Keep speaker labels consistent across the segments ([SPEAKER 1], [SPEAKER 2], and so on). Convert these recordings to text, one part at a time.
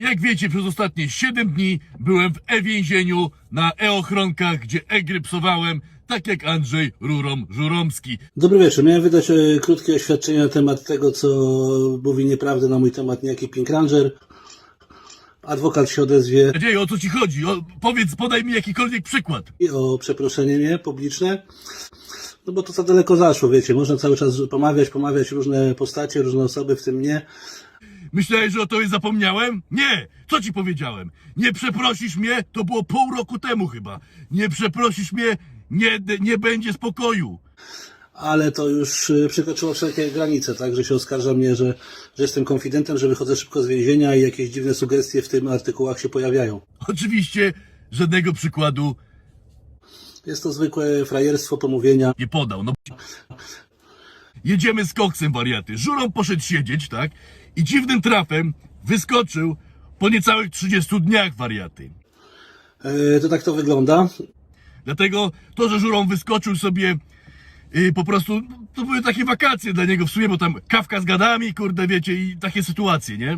[SPEAKER 1] Jak wiecie, przez ostatnie 7 dni byłem w e-więzieniu na e-ochronkach, gdzie e-grypsowałem, tak jak Andrzej Rurom-Żuromski.
[SPEAKER 2] Dobry wieczór. Miałem wydać krótkie oświadczenie na temat tego, co mówi nieprawdę na mój temat niejaki Pink Ranger. Adwokat się odezwie
[SPEAKER 1] Nadzieję, o co ci chodzi? Powiedz, podaj mi jakikolwiek przykład.
[SPEAKER 2] i o przeproszenie mnie publiczne. No bo to za daleko zaszło, wiecie. Można cały czas pomawiać różne postacie, różne osoby, w tym mnie.
[SPEAKER 1] Myślałeś, że o tobie zapomniałem? Nie! Co ci powiedziałem? Nie przeprosisz mnie? To było pół roku temu chyba. Nie przeprosisz mnie? Nie będzie spokoju.
[SPEAKER 2] Ale to już przekroczyło wszelkie granice, tak? Że się oskarża mnie, że jestem konfidentem, że wychodzę szybko z więzienia i jakieś dziwne sugestie w tym artykułach się pojawiają.
[SPEAKER 1] Oczywiście żadnego przykładu
[SPEAKER 2] Jest to zwykłe frajerstwo, pomówienia.
[SPEAKER 1] nie podał. No. Jedziemy z koksem, wariaty. Żurą poszedł siedzieć, tak? I dziwnym trafem wyskoczył po niecałych 30 dniach, wariaty.
[SPEAKER 2] To tak to wygląda.
[SPEAKER 1] Dlatego to, że Żurą wyskoczył sobie po prostu, to były takie wakacje dla niego w sumie, bo tam kawka z gadami, kurde, wiecie, i takie sytuacje, nie?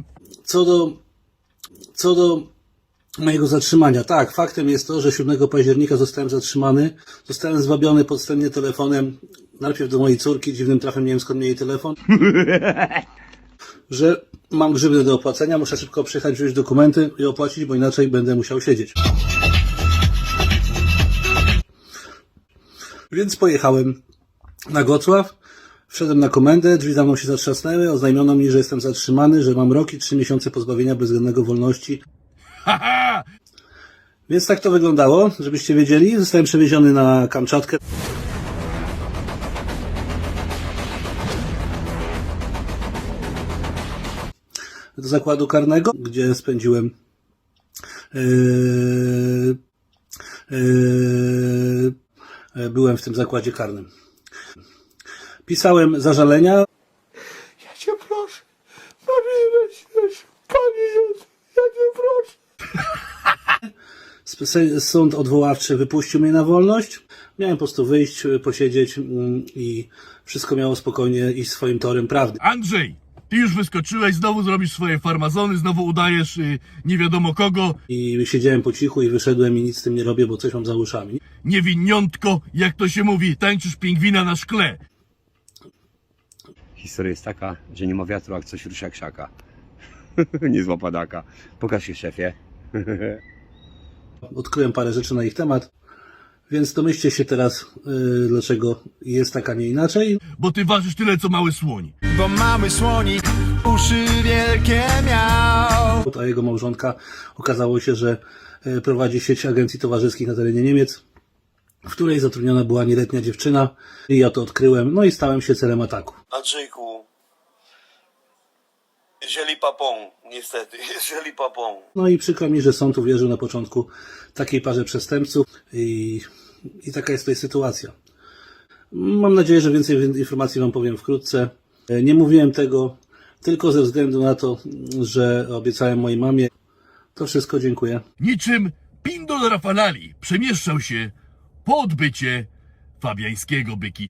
[SPEAKER 2] Co do mojego zatrzymania. Tak, faktem jest to, że 7 października zostałem zatrzymany. Zostałem zwabiony podstępnie telefonem, najpierw do mojej córki, dziwnym trafem nie wiem skąd miał jej telefon, że mam grzywnę do opłacenia, muszę szybko przyjechać, wziąć dokumenty i opłacić, bo inaczej będę musiał siedzieć. Więc pojechałem na Gocław, wszedłem na komendę, drzwi za mną się zatrzasnęły, oznajmiono mi, że jestem zatrzymany, że mam rok i 3 miesiące pozbawienia bezwzględnego wolności.
[SPEAKER 1] Haha!
[SPEAKER 2] Więc tak to wyglądało, żebyście wiedzieli. Zostałem przewieziony na Kamczatkę. Do zakładu karnego, gdzie spędziłem byłem w tym zakładzie karnym. Pisałem zażalenia.
[SPEAKER 3] Ja cię proszę, Panie Jezus, Panie Jezus, ja cię proszę.
[SPEAKER 2] Sąd odwoławczy wypuścił mnie na wolność. Miałem po prostu wyjść, posiedzieć i wszystko miało spokojnie iść swoim torem prawdy.
[SPEAKER 1] Andrzej, ty już wyskoczyłeś, znowu zrobisz swoje farmazony, znowu udajesz nie wiadomo kogo.
[SPEAKER 2] I siedziałem po cichu i wyszedłem i nic z tym nie robię, bo coś mam za uszami.
[SPEAKER 1] Niewiniątko, jak to się mówi, tańczysz pingwina na szkle.
[SPEAKER 4] Historia jest taka, że nie ma wiatru, jak coś rusza krzaka. Nie zła padaka. Pokaż się, szefie.
[SPEAKER 2] Odkryłem parę rzeczy na ich temat, więc domyślcie się teraz, dlaczego jest tak, a nie inaczej.
[SPEAKER 1] Bo ty ważysz tyle, co mały słoń.
[SPEAKER 3] Bo mały słonik uszy wielkie miał.
[SPEAKER 2] A jego małżonka okazało się, że prowadzi sieć agencji towarzyskich na terenie Niemiec, w której zatrudniona była nieletnia dziewczyna i ja to odkryłem, no i stałem się celem ataku.
[SPEAKER 5] Andrzejku, jeżeli papą, niestety, jeżeli papą.
[SPEAKER 2] No i przykro mi, że sąd uwierzył na początku takiej parze przestępców i taka jest tutaj sytuacja. Mam nadzieję, że więcej informacji wam powiem wkrótce. Nie mówiłem tego tylko ze względu na to, że obiecałem mojej mamie. To wszystko, dziękuję.
[SPEAKER 1] Niczym Pindol Rafalali przemieszczał się po odbycie fabiańskiego byki.